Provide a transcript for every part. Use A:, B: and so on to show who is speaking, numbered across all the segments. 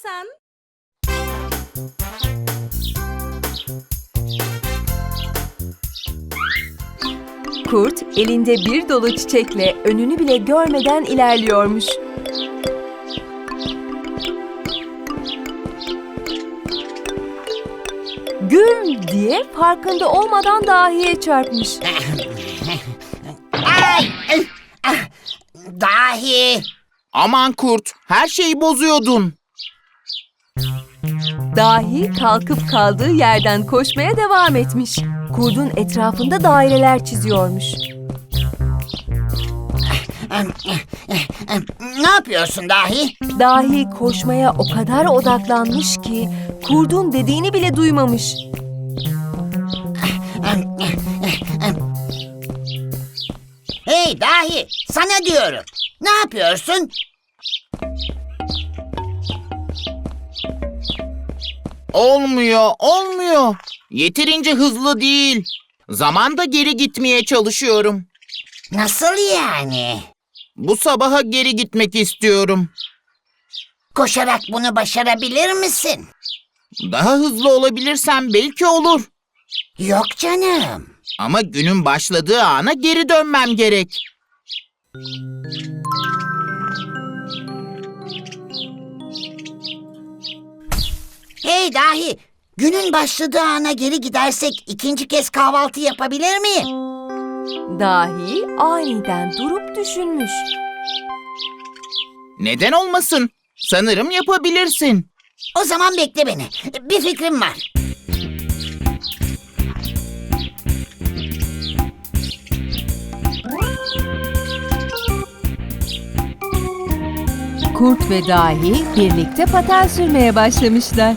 A: istersen.
B: Kurt elinde bir dolu çiçekle önünü bile görmeden ilerliyormuş. Güm diye farkında olmadan dahiye çarpmış.
C: Ay! Ah, Dahi!
D: Aman Kurt, her şeyi bozuyordun.
B: Dahi kalkıp kaldığı yerden koşmaya devam etmiş. Kurdun etrafında daireler çiziyormuş.
C: Ne yapıyorsun Dahi?
B: Dahi koşmaya o kadar odaklanmış ki kurdun dediğini bile duymamış.
C: Hey Dahi! Sana diyorum. Ne yapıyorsun?
D: Olmuyor. Yeterince hızlı değil. Zamanda geri gitmeye çalışıyorum.
C: Nasıl yani?
D: Bu sabaha geri gitmek istiyorum.
C: Koşarak bunu başarabilir misin?
D: Daha hızlı olabilirsem belki olur.
C: Yok canım.
D: Ama günün başladığı ana geri dönmem gerek.
C: Hey Dahi! Günün başladığı ana geri gidersek ikinci kez kahvaltı yapabilir miyim?
B: Dahi aniden durup düşünmüş.
D: Neden olmasın? Sanırım yapabilirsin.
C: O zaman bekle beni. Bir fikrim var.
B: Kurt ve Dahi birlikte paten sürmeye başlamışlar.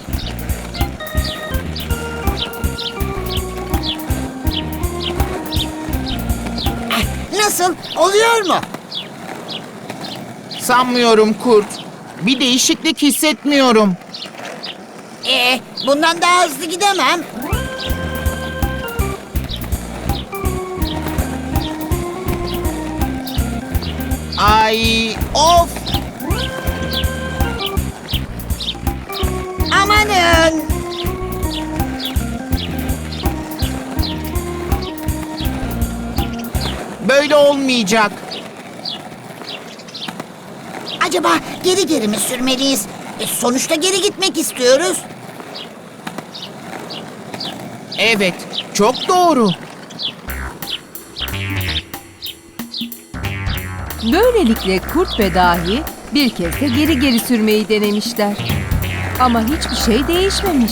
C: Nasıl? Oluyor mu?
D: Sanmıyorum Kurt. Bir değişiklik hissetmiyorum.
C: Bundan daha hızlı gidemem.
D: Ay, of!
C: Amanın!
D: Böyle olmayacak.
C: Acaba geri mi sürmeliyiz? Sonuçta geri gitmek istiyoruz.
D: Evet, çok doğru.
B: Böylelikle Kurt ve Dahi bir kez de geri sürmeyi denemişler. Ama hiçbir şey değişmemiş.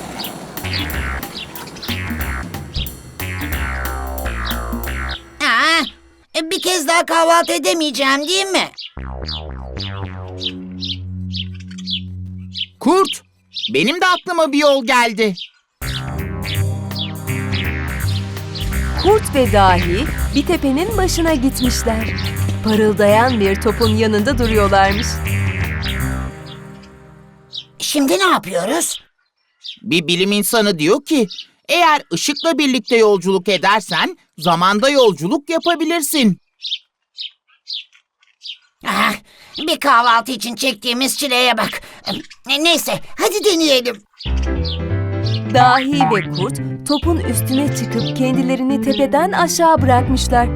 C: Bir kez daha kahvaltı edemeyeceğim değil mi?
D: Kurt, benim de aklıma bir yol geldi.
B: Kurt ve Dahi bir tepenin başına gitmişler. Parıldayan bir topun yanında duruyorlarmış.
C: Şimdi ne yapıyoruz?
D: Bir bilim insanı diyor ki, eğer ışıkla birlikte yolculuk edersen, zamanda yolculuk yapabilirsin.
C: Bir kahvaltı için çektiğimiz çileye bak. Neyse, hadi deneyelim.
B: Dahi ve Kurt topun üstüne çıkıp kendilerini tepeden aşağı bırakmışlar.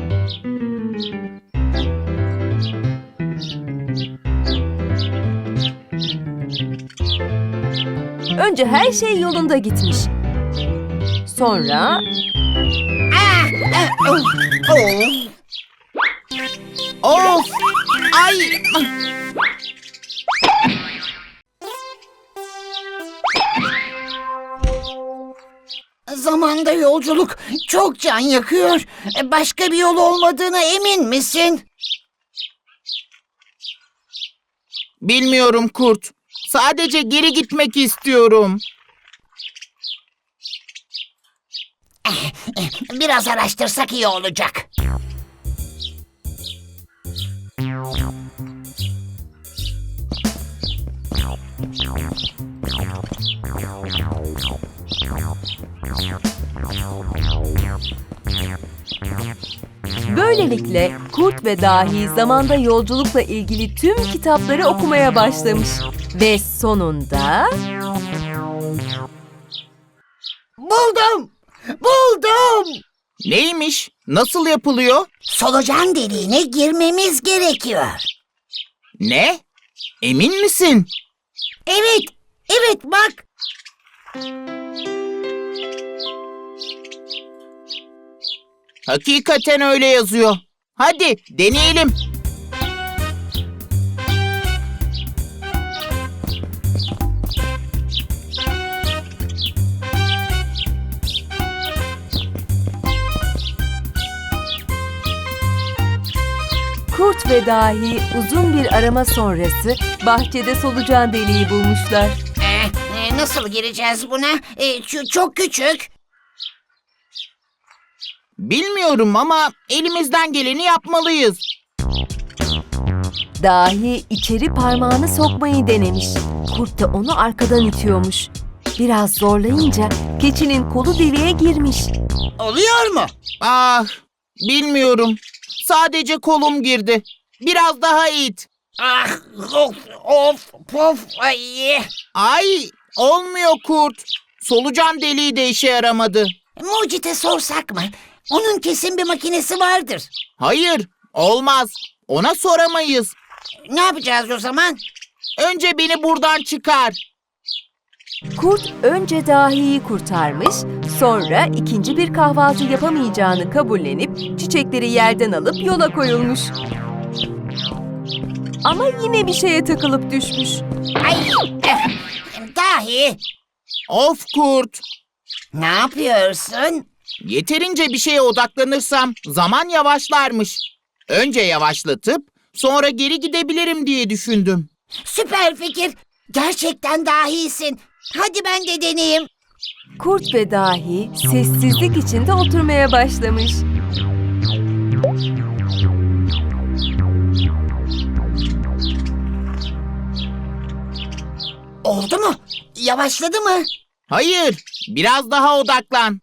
B: Önce her şey yolunda gitmiş. Sonra
D: Of! Ay!
C: Zamanda yolculuk çok can yakıyor. Başka bir yol olmadığına emin misin?
D: Bilmiyorum Kurt. Sadece geri gitmek istiyorum.
C: Biraz araştırsak iyi olacak.
B: Böylelikle Kurt ve Dahi zamanda yolculukla ilgili tüm kitapları okumaya başlamış. Ve sonunda...
C: Buldum! Buldum!
D: Neymiş? Nasıl yapılıyor?
C: Solucan deliğine girmemiz gerekiyor.
D: Ne? Emin misin?
C: Evet, evet bak.
D: Hakikaten öyle yazıyor. Hadi deneyelim.
B: Kurt ve Dahi uzun bir arama sonrası bahçede solucan deliği bulmuşlar.
C: Nasıl gireceğiz buna? Çok küçük.
D: Bilmiyorum ama elimizden geleni yapmalıyız.
B: Dahi içeri parmağını sokmayı denemiş. Kurt da onu arkadan itiyormuş. Biraz zorlayınca keçinin kolu deliğe girmiş.
C: Oluyor mu?
D: Ah, bilmiyorum. Sadece kolum girdi. Biraz daha it.
C: Ah, of, pof, ay.
D: Ay, olmuyor Kurt. Solucan deliği de işe yaramadı.
C: Mucit'e sorsak mı? Onun kesin bir makinesi vardır.
D: Hayır, olmaz. Ona soramayız.
C: Ne yapacağız o zaman?
D: Önce beni buradan çıkar.
B: Kurt önce Dahi'yi kurtarmış, sonra ikinci bir kahvaltı yapamayacağını kabullenip çiçekleri yerden alıp yola koyulmuş. Ama yine bir şeye takılıp düşmüş.
C: Ay, Dahi,
D: Of Kurt.
C: ne yapıyorsun?
D: Yeterince bir şeye odaklanırsam zaman yavaşlarmış. Önce yavaşlatıp sonra geri gidebilirim diye düşündüm.
C: Süper fikir. Gerçekten dahisin. Hadi ben de deneyeyim.
B: Kurt ve Dahi sessizlik içinde oturmaya başlamış.
C: Oldu mu? Yavaşladı mı?
D: Hayır, biraz daha odaklan.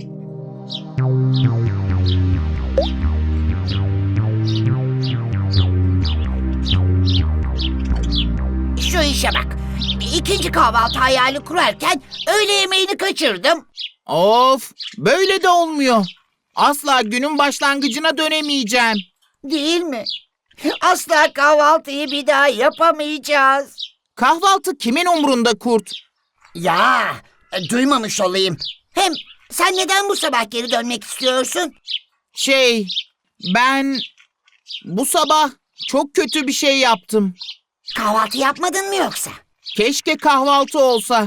C: Şu işe bak. İkinci kahvaltı hayali kurarken öğle yemeğini kaçırdım.
D: Of, böyle de olmuyor. Asla günün başlangıcına dönemeyeceğim.
C: Değil mi? Asla kahvaltıyı bir daha yapamayacağız.
D: Kahvaltı kimin umrunda Kurt?
C: Ya, duymamış olayım. Hem sen neden bu sabah geri dönmek istiyorsun?
D: Ben bu sabah çok kötü bir şey yaptım.
C: Kahvaltı yapmadın mı yoksa?
D: Keşke kahvaltı olsa.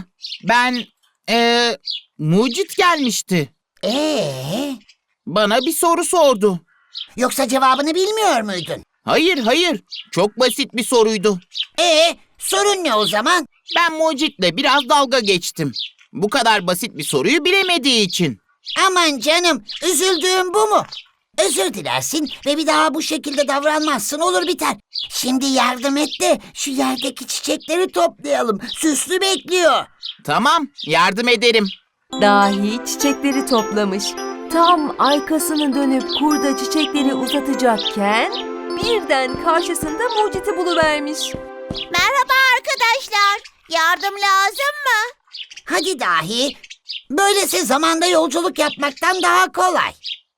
D: Mucit gelmişti. Bana bir soru sordu.
C: Yoksa cevabını bilmiyor muydun?
D: Hayır, çok basit bir soruydu.
C: Sorun ne o zaman?
D: Ben Mucit'le biraz dalga geçtim. Bu kadar basit bir soruyu bilemediği için.
C: Aman canım, üzüldüğüm bu mu? Özür dilersin ve bir daha bu şekilde davranmazsın, olur biter. Şimdi yardım et de şu yerdeki çiçekleri toplayalım. Süslü bekliyor.
D: Tamam, yardım ederim.
B: Dahi çiçekleri toplamış. Tam arkasını dönüp kurda çiçekleri uzatacakken birden karşısında Mucit'i buluvermiş.
A: Merhaba arkadaşlar. Yardım lazım mı?
C: Hadi Dahi. Böylesi zamanda yolculuk yapmaktan daha kolay.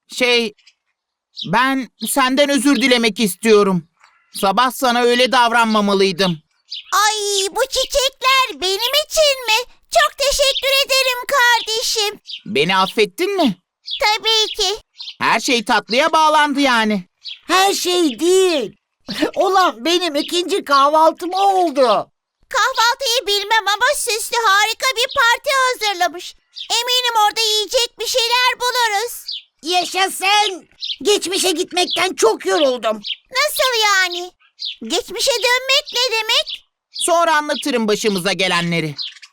D: Ben senden özür dilemek istiyorum. Sabah sana öyle davranmamalıydım.
A: Ay, bu çiçekler benim için mi? Çok teşekkür ederim kardeşim.
D: Beni affettin mi?
A: Tabii ki.
D: Her şey tatlıya bağlandı yani.
C: Her şey değil. Olan benim ikinci kahvaltım oldu.
A: Kahvaltıyı bilmem ama süslü harika bir parti hazırlamış. Eminim orada yiyecek bir şeyler buluruz.
C: Yaşasın. Geçmişe gitmekten çok yoruldum.
A: Nasıl yani? Geçmişe dönmek ne demek?
D: Sonra anlatırım başımıza gelenleri.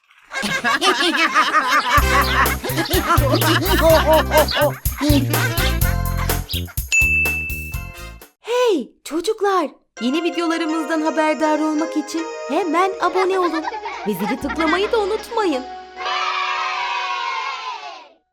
B: Hey çocuklar! Yeni videolarımızdan haberdar olmak için hemen abone olun. Ve zili tıklamayı da unutmayın.